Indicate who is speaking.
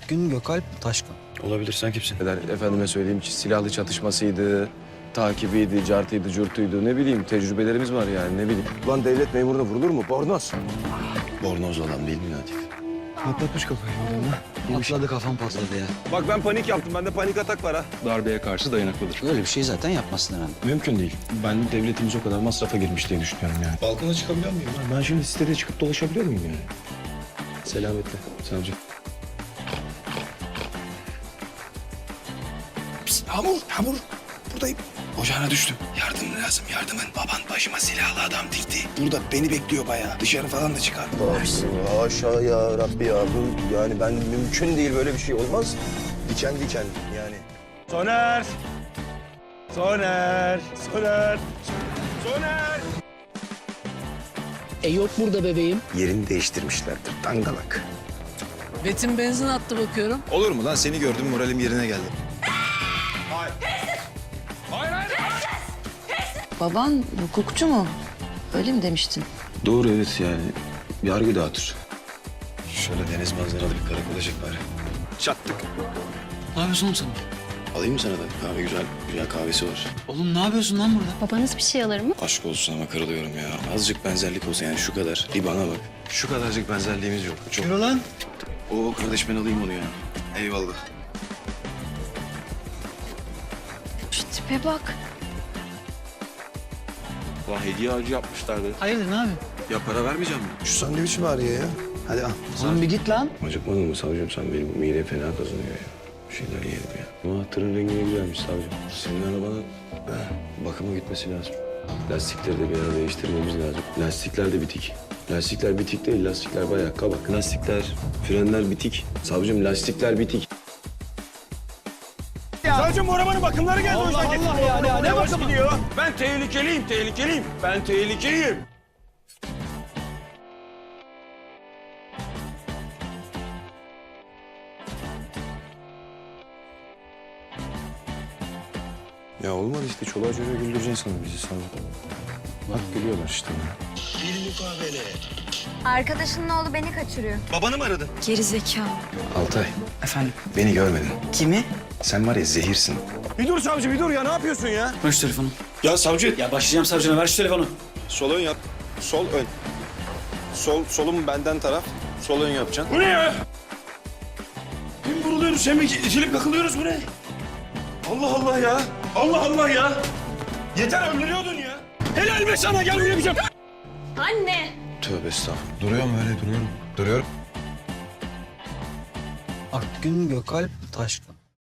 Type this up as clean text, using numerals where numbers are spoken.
Speaker 1: Akgün Gökalp Taşkın.
Speaker 2: Olabilir. Sen kimsin?
Speaker 3: Efendime söyleyeyim, silahlı çatışmasıydı, takibiydi, cartıydı, curtuydu, ne bileyim, tecrübelerimiz var yani, ne bileyim. Ulan devlet memuruna vurulur mu? Bornoz.
Speaker 2: Bornoz olan değil mi Latif?
Speaker 3: Patlatmış kafayı oğlum ha.
Speaker 1: Patladı, kafam patladı ya.
Speaker 3: Bak ben panik yaptım, bende panik atak var ha.
Speaker 2: Darbeye karşı dayanıklıdır.
Speaker 1: Öyle bir şey zaten yapmasın herhalde.
Speaker 2: Mümkün değil. Ben devletimiz o kadar masrafa girmiş diye düşünüyorum yani. Balkona çıkabiliyor muyum? Ben şimdi sitede çıkıp dolaşabiliyor muyum yani? Selametle savcı. Pişt, Hamur. Buradayım. Ocağına düştüm. Yardım lazım, yardımın. Baban başıma silahlı adam dikti. Burada beni bekliyor bayağı. Dışarı falan da çıkar.
Speaker 3: Haşa ya Rabbi ya, bu yani ben mümkün değil, böyle bir şey olmaz. Diken yani.
Speaker 4: Soner! Soner! Soner! Soner!
Speaker 5: Yok burada bebeğim.
Speaker 3: Yerini değiştirmişlerdir, dangalak.
Speaker 5: Betim benzin attı bakıyorum.
Speaker 2: Olur mu lan? Seni gördüm, moralim yerine geldi.
Speaker 6: Baban hukukçu mu? Öyle mi demiştin?
Speaker 2: Doğru, evet yani. Yargı dağıtır. Şöyle deniz manzaralı bir karakola çek bari. Çattık.
Speaker 1: Ne yapıyorsun oğlum sen?
Speaker 2: Alayım mı sana da? Kahve güzel kahvesi var.
Speaker 1: Oğlum ne yapıyorsun lan burada?
Speaker 7: Babanız bir şey alır mı?
Speaker 2: Aşk olsun ama kırılıyorum ya. Azıcık benzerlik olsa yani şu kadar. Bir bana bak. Şu kadarcık benzerliğimiz yok. Çok.
Speaker 1: Yürü lan.
Speaker 2: Oo kardeş ben alayım onu ya. Eyvallah.
Speaker 7: Şu tipe bak.
Speaker 2: Ulan hediye ağacı yapmışlardı.
Speaker 1: Hayırdır ne yapıyorsun?
Speaker 2: Ya para vermeyeceğim mi? Şu sandviç mi arıyor ya? Hadi al.
Speaker 1: Oğlum bir git lan.
Speaker 2: Acıkmadın mı savcım? Sen benim midem fena kazanıyor ya. Bir şeyler yiyelim ya. Ama tırın rengi ne güzelmiş savcım. Senin arabanın bakıma gitmesi lazım. Lastikleri de bir ara değiştirmemiz lazım. Lastikler de bitik. Lastikler bitik değil, lastikler bayağı kabak. Lastikler, frenler bitik. Savcım lastikler bitik.
Speaker 4: Savcım bu arabanın bakımları geldi. Allah Allah ya. Ne bakımı? Gidiyor. Ben tehlikeliyim. Ben tehlikeliyim.
Speaker 2: Ya olmadı işte. Çoluğa çocuğa güldüreceksin sana bizi savcım. Bak gülüyorlar işte.
Speaker 7: Arkadaşının oğlu beni kaçırıyor.
Speaker 2: Babanı mı aradın?
Speaker 7: Geri zekalı.
Speaker 2: Altay,
Speaker 1: Efendim?
Speaker 2: beni görmedin.
Speaker 1: Kimi?
Speaker 2: Sen var ya zehirsin.
Speaker 4: Bir dur savcı bir dur ya. Ne yapıyorsun ya?
Speaker 1: Ver şu telefonu.
Speaker 2: Ya savcı.
Speaker 1: Ya başlayacağım savcına, ver şu telefonu.
Speaker 2: Sol ön yap. Sol ön. Solum benden taraf. Sol ön yapacaksın.
Speaker 4: Bu ne ya? Hem vuruluyoruz hem itilip kakılıyoruz. Bu ne? Allah Allah ya. Allah Allah ya. Yeter öldürüyordun ya. Helal be sana, gel buraya bir şey.
Speaker 7: Anne!
Speaker 2: Tövbe estağfurullah. Duruyorum öyle duruyorum. Duruyorum.
Speaker 1: Akgün Gökalp Taşkın.